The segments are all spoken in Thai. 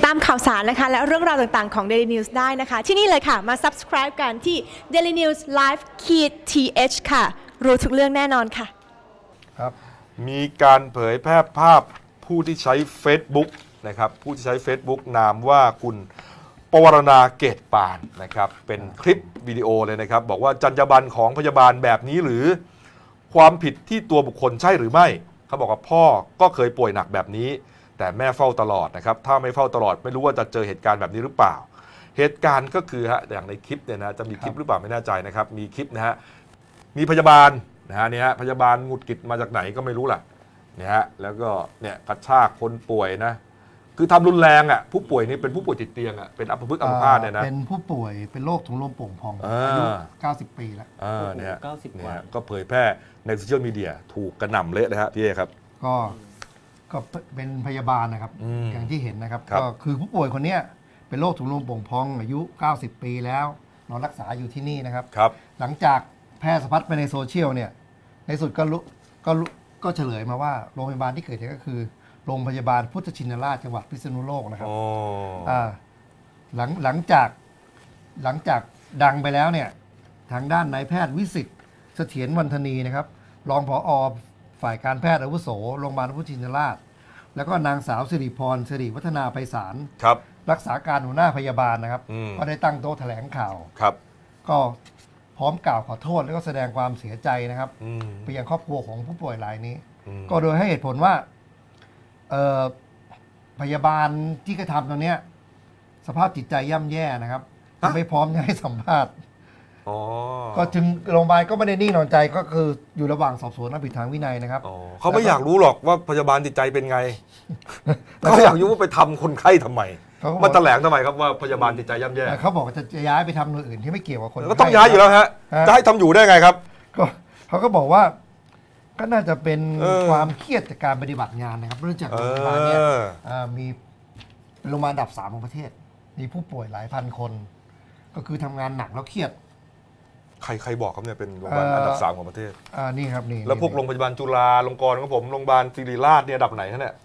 ตามข่าวสารนะคะและเรื่องราวต่างๆของ Daily News ได้นะคะที่นี่เลยค่ะมา subscribe กันที่ Daily News Live th ค่ะรู้ทุกเรื่องแน่นอนค่ะครับมีการเผยแพร่ภาพผู้ที่ใช้ Facebook นะครับผู้ที่ใช้ Facebook นามว่าคุณปวารณาเกตปานนะครับเป็นคลิปวิดีโอเลยนะครับบอกว่าจรรยาบรรณของพยาบาลแบบนี้หรือความผิดที่ตัวบุคคลใช่หรือไม่เขาบอกว่าพ่อก็เคยป่วยหนักแบบนี้แต่แม่เฝ้าตลอดนะครับถ้าไม่เฝ้าตลอดไม่รู้ว่าจะเจอเหตุการณ์แบบนี้หรือเปล่าเหตุการณ์ก็คืออย่างในคลิปเนี่ยนะจะมีคลิปหรือเปล่าไม่แน่ใจนะครับมีคลิปนะฮะมีพยาบาลนะฮะเนี่ยพยาบาลหงุดหงิดมาจากไหนก็ไม่รู้ล่ะเนี่ยฮะแล้วก็เนี่ยกระชากคนป่วยนะคือทำรุนแรงอ่ะผู้ป่วยนี่เป็นผู้ป่วยติดเตียงอ่ะเป็นอัมพฤกษ์อัมพาตเนี่ยนะเป็นผู้ป่วยเป็นโรคถุงลมโป่งพองอายุ90 ปีแล้วเนี่ยก็เผยแพร่ในโซเชียลมีเดียถูกกระหน่ำเละเลยฮะพี่เอครับก็เป็นพยาบาลนะครับอย่างที่เห็นนะครับก็คือผู้ป่วยคนนี้เป็นโรคถุงลมโป่งพองอายุ90 ปีแล้วนอนรักษาอยู่ที่นี่นะครับหลังจากแพร่สะพัดไปในโซเชียลเนี่ยในสุดก็เฉลยมาว่าโรงพยาบาลที่เกิดเหตุก็คือโรงพยาบาลพุทธชินราชจังหวัดพิษณุโลกนะครับหลังจากดังไปแล้วเนี่ยทางด้านนายแพทย์วิสิทธิ์เสถียรวรรณธนีนะครับรองผอ.ฝ่ายการแพทย์อาวุโสโรงพยาบาลพุทธชินราชแล้วก็นางสาวสิริพรสิริวัฒนาไพศาลรักษาการหัวหน้าพยาบาลนะครับก็ได้ตั้งโต๊ะแถลงข่าวก็พร้อมกล่าวขอโทษแล้วก็แสดงความเสียใจนะครับไปยังครอบครัวของผู้ป่วยรายนี้ก็โดยให้เหตุผลว่าพยาบาลที่กระทำตรงนี้สภาพจิตใจย่ำแย่นะครับไม่พร้อมจะให้สัมภาษณ์ก็ถึงโรงพยาบาลก็ไม่ได้นิ่งนอนใจก็คืออยู่ระหว่างสอบสวนทางวินัยนะครับเขาไม่อยากรู้หรอกว่าพยาบาลจิตใจเป็นไงเขาอยากรู้ว่าไปทำคนไข้ทำไมมาแถลงทำไมครับว่าพยาบาลจิตใจย่ำแย่เขาบอกจะย้ายไปทำหน่วยอื่นที่ไม่เกี่ยวกับคนก็ต้องย้ายอยู่แล้วฮะจะให้ทำอยู่ได้ไงครับก็เขาก็บอกว่าก็น่าจะเป็นความเครียดจากการปฏิบัติงานนะครับเนื่องจากโรงพยาบาลเนี่ยมีโรงพยาบาลอันดับ3ของประเทศมีผู้ป่วยหลายพันคนก็คือทำงานหนักแล้วเครียดใครบอกครับเนี่ยเป็นโรงพยาบาลอันดับ3ของประเทศนี่ครับนี่แล้วพวกโรงพยาบาลจุฬาลงกรณ์ของผมโรงพยาบาลศิริราชเนี่ยอันดับไหนฮะเนี่ย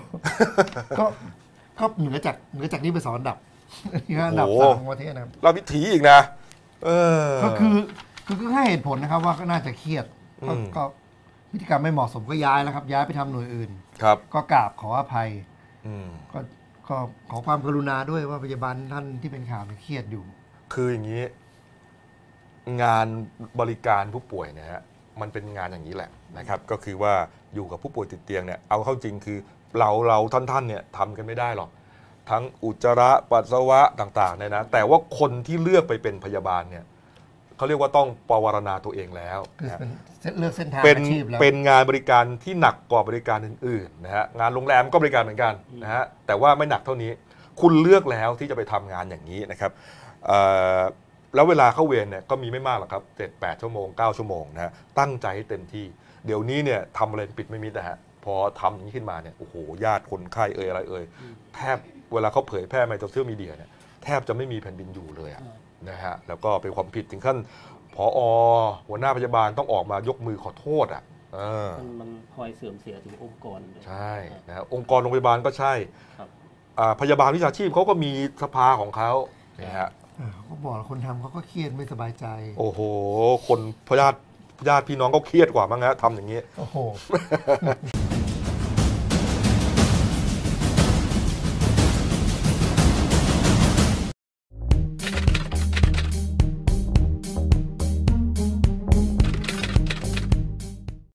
ก็เหนือจากนี้ไป2อันดับอันดับ3ของประเทศนะครับราชวิถีอีกนะก็คือให้เหตุผลนะครับว่าก็น่าจะเครียดก็พฤติกรรมไม่เหมาะสมก็ย้ายแล้วครับย้ายไปทำหน่วยอื่นก็กราบขออภัยก็ขอความกรุณาด้วยว่าพยาบาลท่านที่เป็นข่าวเครียดอยู่คืออย่างนี้งานบริการผู้ป่วยเนี่ยฮะมันเป็นงานอย่างนี้แหละนะครับก็คือว่าอยู่กับผู้ป่วยติดเตียงเนี่ยเอาเข้าจริงคือเราท่านเนี่ยทำกันไม่ได้หรอกทั้งอุจจาระปัสสาวะต่างๆเนี่ยนะแต่ว่าคนที่เลือกไปเป็นพยาบาลเนี่ยเขาเรียกว่าต้องปวารณาตัวเองแล้วเลือกเส้นทางอาชีพแล้วเป็นงานบริการที่หนักกว่าบริการอื่นๆนะฮะงานโรงแรมก็บริการเหมือนกันนะฮะแต่ว่าไม่หนักเท่านี้คุณเลือกแล้วที่จะไปทำงานอย่างนี้นะครับแล้วเวลาเข้าเวรเนี่ยก็มีไม่มากหรอกครับ7-8 ชั่วโมง9 ชั่วโมงนะฮะตั้งใจให้เต็มที่เดี๋ยวนี้เนี่ยทำอะไรปิดไม่มิดนะฮะพอทำอย่างนี้ขึ้นมาเนี่ยโอ้โหญาติคนไข้อะไรแทบเวลาเขาเผยแพร่ในโซเชียลมีเดียเนี่ยแทบจะไม่มีแผ่นดินอยู่เลยนะฮะแล้วก็เป็นความผิดถึงขั้นผอ.หัวหน้าพยาบาลต้องออกมายกมือขอโทษมันพลอยเสื่อมเสียถึงองค์กรใช่นะองค์กรโรงพยาบาลก็ใช่พยาบาลวิชาชีพเขาก็มีสภาของเขานะฮะเขาบอกคนทำเขาก็เครียดไม่สบายใจโอ้โหคนญาติพี่น้องก็เครียดกว่ามั้งฮะทำอย่างนี้โอ้โห